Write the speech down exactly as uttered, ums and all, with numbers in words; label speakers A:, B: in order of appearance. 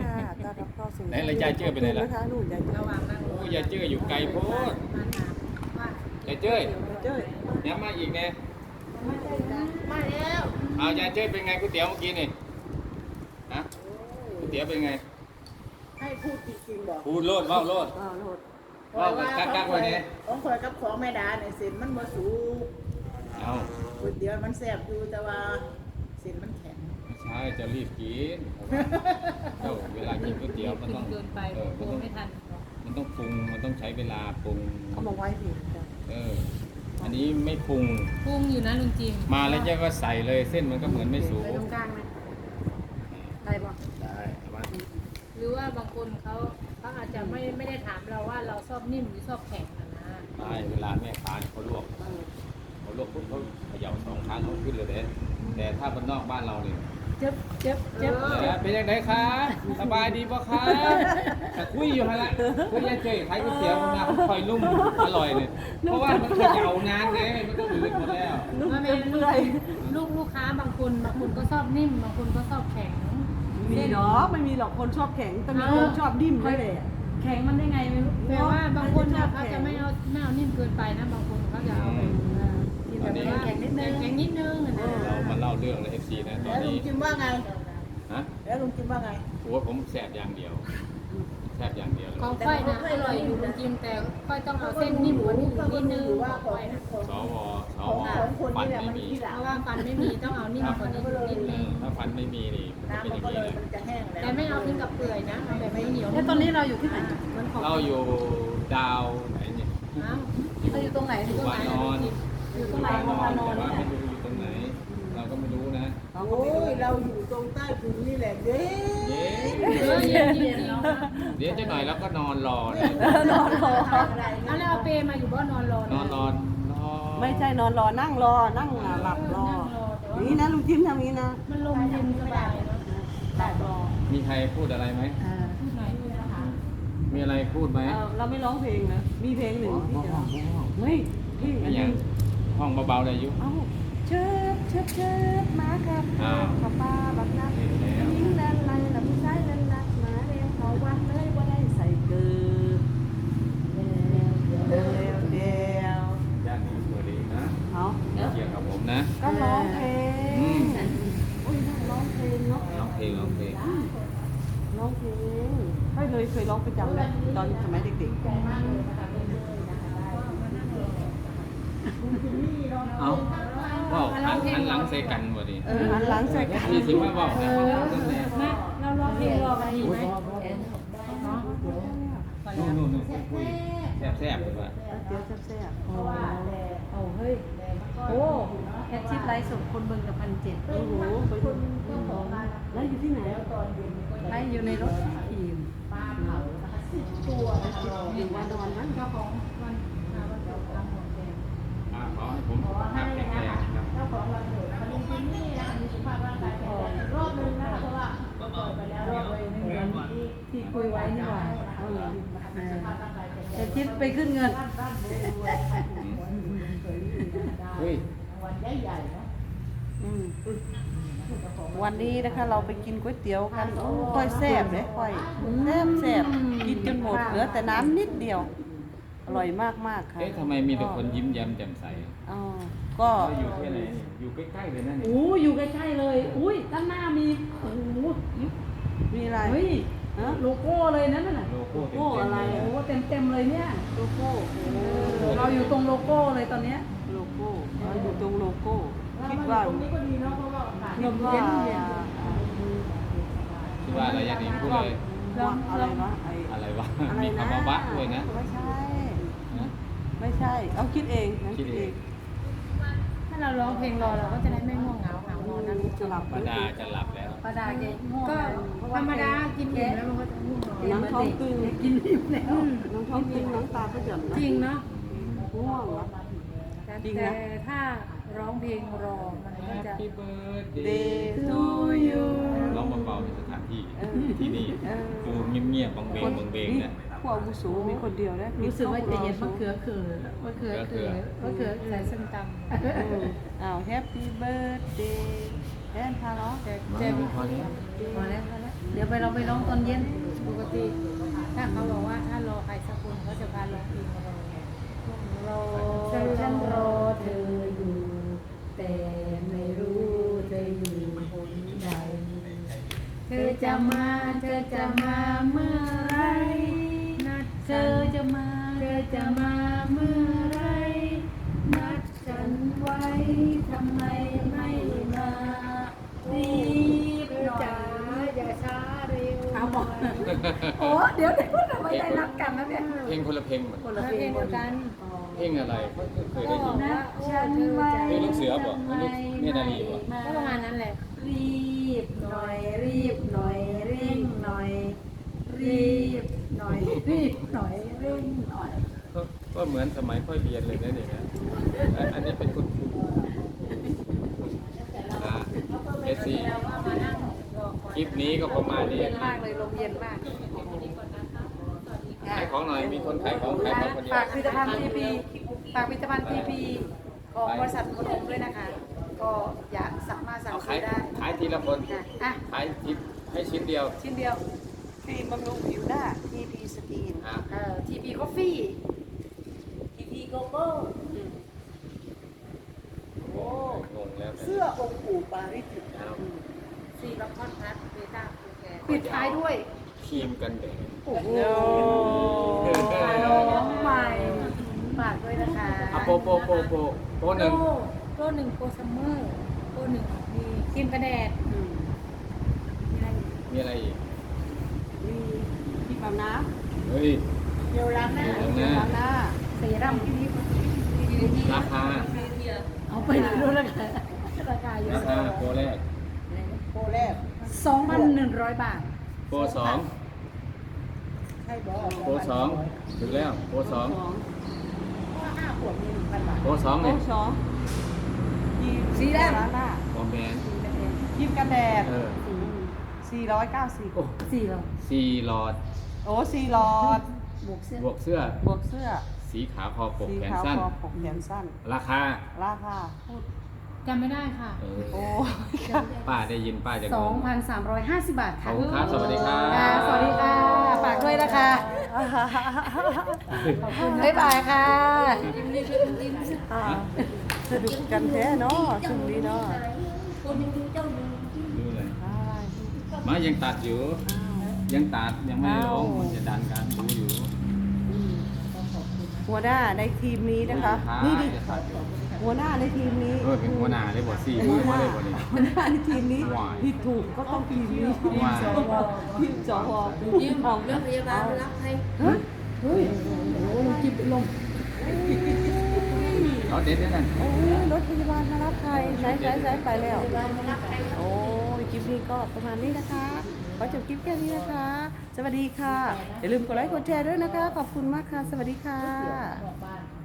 A: ค่ะต้อนรับเข้าสู่
B: ไหนเลยยายเจ้ยไปไหนล่ะ
A: นะคะนู่นยายเจ้ย
C: ระวังนั่ง
B: โอ้ยายเจ้ยอยู่ไกลโพด
C: มาถามว่าย
B: ายเจ้ย
A: ยายเจ้ย
B: เนี่ยมาอีกเนี่ย
C: มาแล้ว
B: เอายายเจ้ยเป็นไงก๋วยเตี๋ยวเมื่อกี้นี่ฮะก๋วยเตี๋ยวเป็นไง
D: ให้พูดจริงๆบอก
B: พูดโลดเว้าโลด
A: อ้าวโหลด
B: เว้ากันกักๆไว้เนี่ย
D: ของข่อยกับของแม่ดาเนี่ยสินมันบ่สูง
B: เอา
D: ก๋วยเตี๋ยวมันแซ่บอยู่แต่ว่าสินมันแข็ง
B: ไม่ใช่จะรีบกินเจ้าเวลากินก๋วยเตี๋ยวมันต้อง
C: เกินไป
B: เออ
C: โก
B: มันต้อง
C: ไม่ทัน
B: มันต้องปรุงมันต้องใช้เวลาปรุง
A: เอามาไว้ผิด
B: เอออันนี้ไม่ปรุง
C: ปรุงอยู่นะลุงจิม
B: มาแล้วเจ้าก็ใส่เลยเส้นมันก็เหมือนไม่สุก
C: ไปตรงกลางไหมได้ปะ
B: ได้เอามา
C: หรือว่าบางคนเขาเขาอาจจะไม่ไม่ได้ถามเราว่าเราชอบนิ่มหรือชอบแข็งนะนะ
B: ได้เวลาแม่ค้าเนี่ยเขาลวกเขาลวกปุ๊บเขาเขย่าสองครั้งเขาขึ้นเลยเด้แต่ถ้าบ้านนอกบ้านเราเนี่ย
C: เจ็บเจ็บเจ็บ
B: เออเป็นยังไงคะสบายดีปะคะแต่คุยอยู่ฮะละคุยยายเจยขายก๋วยเตี๋ยวมาเขาคอยนุ่มอร่อยเลยเพราะว่ามันเขย่านานไงมันก็อืดหมดแล้ว
A: นุ่ม
C: ว่า
A: เปื่
C: เป็น
A: อย
C: ลูกลูกค้าบางคนบางคนก็ชอบนิ่มบางคนก็ชอบแข็ง
A: มีเนาะไม่มีหรอกคนชอบแข็งแต่มีคนชอบดิ้มด้วยเลย
E: แข็งมันได้ไงไม่รู้
C: แต่ว่าบางคนเนี่ย
A: เขา
C: เขา
A: จะ
C: จะ
A: ไม่
C: ไม่
A: เอา
C: เอาไม่เอานิ่มเกินไปนะบางคนเขาจะเอาแบบกินแบบว่าแข็งนิดนึงแข็งนิดนึงนะ
B: เรามาเล่าเรื่องเลยเอฟซีนะตอน
D: แล้วลุง
B: นี้
D: จิมว่าไง
B: ฮะ
D: แล้วลุงจิมว่าไง
B: โอ้ผมแสบอย่างเดียวแสบอย่างเดียวเลย
C: ของค่อยนะอร่อยอยู่ลุงจิมแต่ค่อยต้องเอาเส้นนิ่มกว่านี้อีกนิดนึง
D: ว่า
C: ของ
D: ของ
C: ค่อยนะ
D: ของ
B: สวส
D: ของ
B: ว
D: ของคน
B: ฟัน
D: นี่แหละ
B: ไม่
D: มัน
B: มี
D: ที่หลัง
C: เพราะว่าฟันไม่มีต้องเอานิ่มกว่านี้อีกนิดนึง
B: ถ้าฟันไม่มีนี่มันเป็น
D: น้ำ
B: อ
D: มัน
B: ย่าง
D: ก็
B: นี้เลย
D: เลยมันจะแห้งแล้ว
C: แต่ไม่เอาถึงกับเปื่อยนะเอาแบบไม่เหนียว
E: แล้วตอนนี้เราอยู่ที่ไหน
C: มันของ
B: เราอยู่ดาวไหนเนี่ย
C: อ้าว
E: เราอยู่ตรงไหน
B: อยู่วานอน
C: อยู่ตรงไหน
B: วานอนแต่ว่าไม่รู้อยู่ตรงไหน เราก็ไม่รู้นะ
D: โอ้ยเราอยู่ตรงใต้ถุนนี่แหละเด้
B: เย้
C: เออเย็นจริงๆ
B: เดี๋ยวจะหน่อยแล้วก็นอนรอเนี่ย
A: นอนรอ
D: อะไร
C: เอาแล้วเอาเปรมาอยู่บ้านนอนรอน
B: อนรอนรอ
A: ไม่ใช่นอนรอนั่งรอนั่งหลับรอนี่นะลุงจิ้มทำนี้นะ
C: มันลมเย็นสบายเนาะ
A: หลับรอ
B: มีใครพูดอะไรไหม
C: พูดหน่อยพูดนะคะ
B: มีอะไรพูดไหม
A: เราไม่ร้องเพลงนะมีเพลงหนึ่งที่จะร้องเฮ้ยพี่อัน
B: อย่า
A: นี้
B: งห้องเบาๆได้อยุ
A: เอ้าเชิบเชิบเชิบมาครับ
B: อ้าว
A: ขับป้าบักนัก
B: เห็นแล้ว
A: ยิงดันไล่ลำไส้ลันลักมาเรียงเขาวัดเลยว่าได้ใส่เกลือเดียวเดียว
B: ญาติสวัสดีนะ
A: เอา
B: เกี่ยวกับผมนะ
A: ก็ร้องเพล
B: อื
A: ง
B: ม
A: อุ้ยนั่งร้องเพลงเนาะ
B: ร้องเพลงร้องเพลง
A: ร้องเพลงไม่เลยเคยร้องประจำเลยตอนสมัยเด็ก
B: เอาว่าหันหันหลังใส่กันบ่ดี
A: ๆเออหันหลังใส่กัน
B: นี่ถือว่าว่าแต่เขาตั้งแต่
C: มาเราร้องเพลงรอกันดีไหม
B: นู่นนู่นนู่นคุยแซ่บๆเลยว่า
A: เดี๋ยวแซ่บ
E: โอ้โอ้เฮ้ย โอ้แคทชิปไลฟ์สดคนเบิ่งกับพันเจ็ด
A: ๆโอ้โหไปดูแล้วอยู่ที่ไหน
E: ไลฟ์อยู่ในรถทีม
A: อยู่วานอนมั้ง
C: เจ้าของวันหาวันเกิดตามหัวแดง
B: อ่าขอให้ผมสุขภาพแข็งแรงครับ
D: เจ้าของวันเกิดมันเป็นนี่นะมีสุขภาพร่างกายแข็งแรงรอบนึงนะเพราะว่าก็เปิดไปแล้วรอบเลยหนึ่งเดือนที่
E: ที่คุยไว้นี่หว่า
D: เออมีสุขภาพร่างกายแข็งแร
E: แค
D: ง
E: ทชิปไปขึ้นเงิน
D: ร่ำรวยรวย
B: เฮ้ย
D: วันใหญ่ๆนะ
A: อืมวันนี้นะคะเราไปกินก๋วยเตี๋ยวกันโอ้ค่อยแซ่บเลยค่อยแซ่บแซ่บกินจนหมดเหลือแต่น้ำนิดเดียว อร่อยมากมากๆค่ะ
B: เอ๊ะทำไมมีแต่คนยิ้มแย้มแจ่มใส
A: อ๋อก็
B: เราอยู่ที่ไหนนี่อยู่ใกล้ๆเลยนะนี่
E: โอ้อยู่ใกล้ๆเลย อุ้ยด้านหน้ามี โอ้โห
A: มีอะไร
E: เฮ้ย
A: ฮะ
E: โลโก้เลยนั่นน่ะ
B: โลโก้เต็ม
A: โลโก้
B: ๆ
A: อะไร
B: เลย
E: โอ้เต็มเต็มๆเลยเนี่ย
A: โลโก้โอ้
E: เราอยู่ตรงโลโก้เลยตอนเนี้ย
A: โลโก้เราอยู่ตรงโลโก้
D: แล้ว
A: คิด
D: มัน
A: ว่า
D: ตรงนี้ก็ดีเนาะเพราะว่าอากาศ
A: คิดว่า
B: คิดว่าอะไรอย่างนี้พูดเลย
A: ว่าอะไรวะไอ
B: อะไรวะ
A: อะไร
B: มี
A: นะ
B: คำว่าบะด้วยนะ
A: ไม่ใช่
B: นะ
A: ไม่ใช่ เอาคิดเองนะ
B: คิดเอง
C: ถ้าเราร้องเพลงรอเราก็จะได้ไม่ง่วงเหงาเหงานอนนะ
A: จะหลับ
B: ป้าดาจะหลับแล้ว
E: ประดาแกง่วง
C: ก็
E: เลยเพราะ
C: ธ
E: ว่าร
C: รมดากินอิ่มแล้วมันก็จะง่วงนอน
A: น้ำท้องตึง
E: กินอิ่มแล้ว
A: น้ำท้องตึงน้ำตาก็หย่อนนะ
C: จริงเนาะ
A: ง่วงเหรอ
C: แต่
A: จริงนะ
C: แต่ถ้าร้องเพลงรอมันก็จะ
B: Happy birthday
A: Day to you
B: ร้องเบาๆในสถานที่
A: เออ
B: ที่นี่
A: เออ
B: ดูเงียบๆบังเบงบังเบง
A: นี่
B: นะ
A: ผู้อาวุโสมีคนเดียวนะ
E: รู้สึกว่าจะเย็นมะเขือเขือ
C: มะเขือเขือมะเขือใส่ส้มตำ
A: เอออ้าว Happy birthday แอนพาเนาะ
C: แต่แต่
B: พอแล้ว
C: พอแล้วพอแล้ว
E: เดี๋ยวไปเราไปร้องตอนเย็น
C: ปกติถ้าเขาบอกว่าถ้ารอใครสักคนเขาจะพาร้องเพลงเรา
E: รอฉันรอเธออยู่ แต่ไม่รู้เธออยู่คนใดเธอจะมาเธอจะมาเมื่อไรนัดเธอจะมาเธอจะมาเมื่อไรนัดฉันไว้ทำไมไม่มารีบหน่อย
C: จ๋าอย่าช้าเร็ว
E: เอาบอกโอ้เดี๋ยวเดี๋ยวทำไมได้รับกันแล้วเนี่ย
B: เพลงคนละเพลงหมด
E: คน
C: แล้
E: ละ
C: ว
E: เพ
C: เพ
E: ล
C: ล
E: ง
C: งเดียวกัน
B: เพลงอะไรไม่เคยได้ยิน
E: นะฉันไว้
B: เพลงลูกเสือบอกเพลงลูกเนตรนารีบอก
C: ก็ประมาณนั้นแหละ
E: รีบหน่อยรีบหน่อยเร่งหน่อย รีบหน่อยรีบหน่อยเร่งหน่อย
B: ก็ก็เหมือนสมัยค่อยเรียนเลยนะเนี่ยนะอันอันนี้เป็นคุณครูอ่าเอสซีคลิปนี้ก็ประมาณนี้
E: เย็นมากเลยลมเย็นมาก
B: ขายของหน่อยมีคนขายของขายของคนเดียว
E: ฝากผลิตภัณฑ์ทีพีฝากผลิตภัณฑ์ทีพีของบริษัทมนมด้วยนะคะ ก็อยากสั่งมาสั่ง
B: เอา
E: ซื้
B: ขาย
E: อได้
B: ขายทีละคน
E: ค่ะอ่ะ
B: ขายทีให้ชิ้นเดียว
E: ชิ้นเดียว
A: ครีมบำรุงผิวหน้า ที พี สกิน
B: อ่ะ
E: เอ่อทีพีคอฟฟี่
A: ที พี โกโก้
B: โอ้งงแล้ว
A: เสื้อองค์ปู่ปาริจิต
B: เอา
C: ซีล็อกคอนทัสเบต้าคูแกน
E: ปิดท้ายด้วย
B: ครีมกันแดด
E: โอ้โห
B: เออ
E: น้องใหม่ฝากด้วยนะคะ
B: อ่ะโปโปโปโปโปห
C: โป
B: นึ่ง
C: โปรหนึ่งโปรซัมเมอร์โปรหนึ่งมีครีมกระแดด
E: อืม
C: มีอะไรอีก
B: มีอะไรอีก
A: มีที่ปั๊มน้
B: เฮ้ย
A: ำเจลล้างหน้า
B: เจลล้างหน้า
A: ล้างหน้า
E: เซรั่มที่นี่
B: ราคา
E: เอาไปดูแล้วกันราคาเย
B: รา
E: อะ
B: คาโปรแรก
A: โปรแรก
E: สองพันหนึ่งร้อยบาท
B: โปรสอง
A: ให้บอก
B: โปรสองถึงแล้วโปรสอง
A: สองห้าขวดมีหนึ่งพันบาท
B: โปรสอง
A: โปร
B: เนี่ย
A: สองครีม
E: สีแดง
A: ล้างหน้า
B: คอมแมน
A: ครีมกันแดด
B: เออ
A: สี่ร้อยเก้าสิบ
B: โอ้
E: สี่หรอ
B: สี่หลอด
A: โอ้สี่หลอด
E: บวกเสื้อบ
B: วกเสื้อบ
A: วกเสื้อ
B: สีขาวคอปก
A: สี
B: แขน
A: ขาว
B: สั้น
A: คอปกแขนสั้น
B: ราคา
A: ราคาพูด
C: จำไม่ได้ค่ะ
B: เออ
A: โอ้
B: ป้าได้ยินป้าจะ
E: ส
B: ง
E: อง
B: ง
E: พันสามร้อยห้าสิบบาท
B: ขอ
E: ค่ะ
B: บคุณครับสวัสดีครับ
E: ค่ะสวัสดีค่ะ ฝากด้วยนะคะบ๊ายบายค่ะ
A: อ่าสนุกกันแท้เนาะช่วงนี้เนาะ
B: ดูเลย
A: ได้
B: มายังตัดอยู่ ยังตัดยังไม่ได้ลงมันจะดันกันดูอยู่
A: หัวหน้าในทีมนี้นะคะ นี่ดิ
B: จะตัดอยู่
A: หัวหน้าในทีมนี้
B: เออเป็นหัวหน้าได้บ่สี่
A: หั
B: มื
A: ว
B: อ
A: ห
B: มา
A: น้า
B: เลยบ่นี่
A: หัวหน้าในทีมนี้
B: ว้าย
A: ที่ถูกก็ต้องทีมนี้ทีม
B: ว้าย
A: สวทีมสวยืมของเรื่องพยาบาลรับให้ฮะเฮ้ยโอ้โหลงจิบลง
B: เขาเด็ดด้วยกัน
A: โอ้ยรถพยาบาลมารับใครใช้ใช้ใช้ไปแล้วโอ้ยคลิปนี้ก็ประมาณนี้นะคะขอจบคลิปแค่นี้นะคะ สวัสดีค่ะอย่าลืมกดไลค์กดแชร์ด้วยนะคะ ขอบคุณมากค่ะ สวัสดีค่ะ
D: บอกบ้าน